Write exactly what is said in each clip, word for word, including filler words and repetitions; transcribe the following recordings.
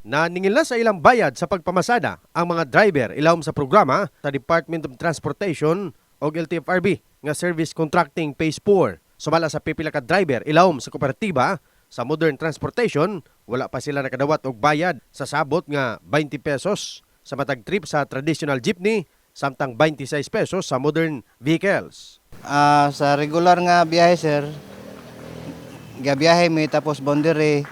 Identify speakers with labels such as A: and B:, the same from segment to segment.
A: Naningil na sa ilang bayad sa pagpamasada ang mga driver ilawom sa programa sa Department of Transportation o L T F R B nga Service Contracting Phase four. Sumala sa pipila ka driver ilawom sa kooperatiba sa Modern Transportation, wala pa sila nakadawat og bayad sa sabot nga twenty pesos sa matag trip sa traditional jeepney samtang twenty-six pesos sa modern vehicles.
B: Ah, sa regular nga biyahe sir, gabiyahe mi tapos boundary.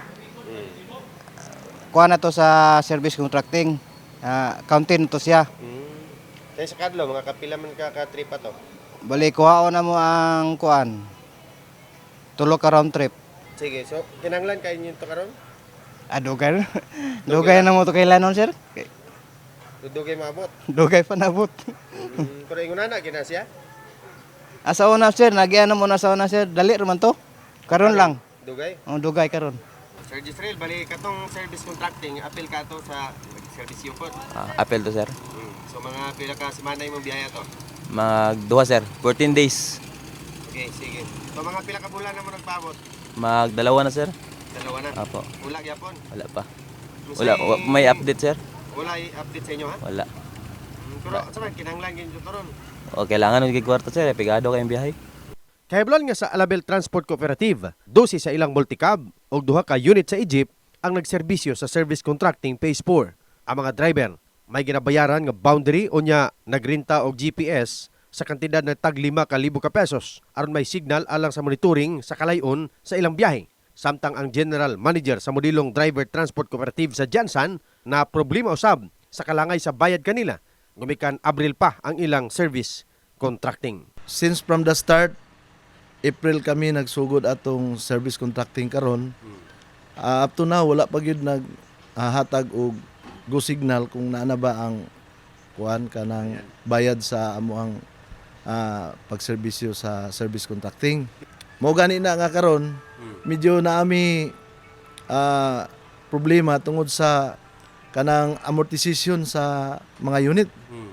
B: Kuha na to sa service contracting. Ah, counting to siya.
A: Hmm. Kaya sa kadlo, mga kapila man ka ka-trip to?
B: Bali kuhaon na mo ang kuan. Tulo ka round trip.
A: Sige, so kinanglan kayo nyo ito karon?
B: Ah, dugay. Dugay na mo to kailanon sir.
A: Dudugay maabot.
B: Dugay pa nabot.
A: Hmm, pero ingon na gina siya?
B: Asa una sir, nagyan mo na sa una sir. Dali raman to. Karon lang.
A: Dugay?
B: Oh, dugay karon.
A: Sir Gisrael, bali katong service contracting, appeal ka to sa service yukot.
C: Ah, apel to sir.
A: Hmm. So mga pila ka semana imong biyaya to?
C: Magduha sir, fourteen days.
A: Okay, sige. So mga pila ka bulan na mo nagpaabot?
C: Magdalawa na sir.
A: Dalawa na?
C: Apo.
A: Wala gyapon?
C: Wala pa.
A: Musay-
C: Wala, wa- may update sir?
A: Wala i-update sa inyo ha?
C: Wala.
A: Hmm, pero sa man kinanglan gyud to ron.
C: O kailangan ng kwarto sir, pigado kayong biyahe.
A: Kahiblan nga sa Alabel Transport Cooperative, dosi sa ilang multicab o duha ka unit sa Egypt ang nagserbisyo sa Service Contracting Phase four. Ang mga driver may ginabayaran nga boundary o nya nagrenta og G P S sa kantidad na tag lima ka libo ka pesos aron may signal alang sa monitoring sa kalayon sa ilang biyahe. Samtang ang General Manager sa modilong Driver Transport Cooperative sa Jansan na problema usab sa kalangay sa bayad kanila, gumikan Abril pa ang ilang service contracting.
D: Since from the start, April kami nagsugod atong service contracting karon. Uh, up to now wala pa gyud nag uh, hatag og go signal kung naana ba ang kuan kanang bayad sa amo ang uh, pagserbisyo sa service contracting. Mao gani na nga karon medyo naami uh, problema tungod sa kanang amortization sa mga unit.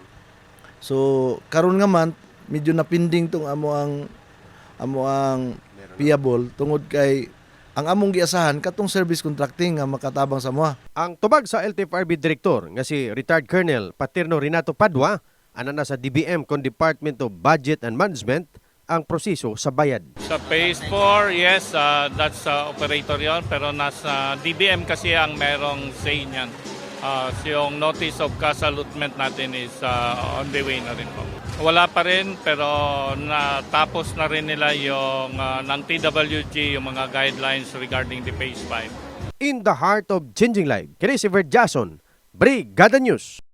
D: So karon nga man medyo napinding tong amo ang amo ang payable tungod kay ang among giasahan katong service contracting nga makatabang sa moa.
A: Ang tubag sa L T F R B Director nga si retired Colonel Paterno Renato Padua, ana na sa D B M kon Department of Budget and Management ang proseso sa bayad.
E: Sa phase four, yes, uh, that's uh, operator yon, pero nasa D B M kasi ang merong say niyan. Uh, so yung notice of cash allotment natin is uh, on the way na rin po. Wala pa rin, pero natapos na rin nila yung uh, ng T W G, yung mga guidelines regarding the phase five.
A: In the heart of changing life, kini si Verd Jason, Brigada News.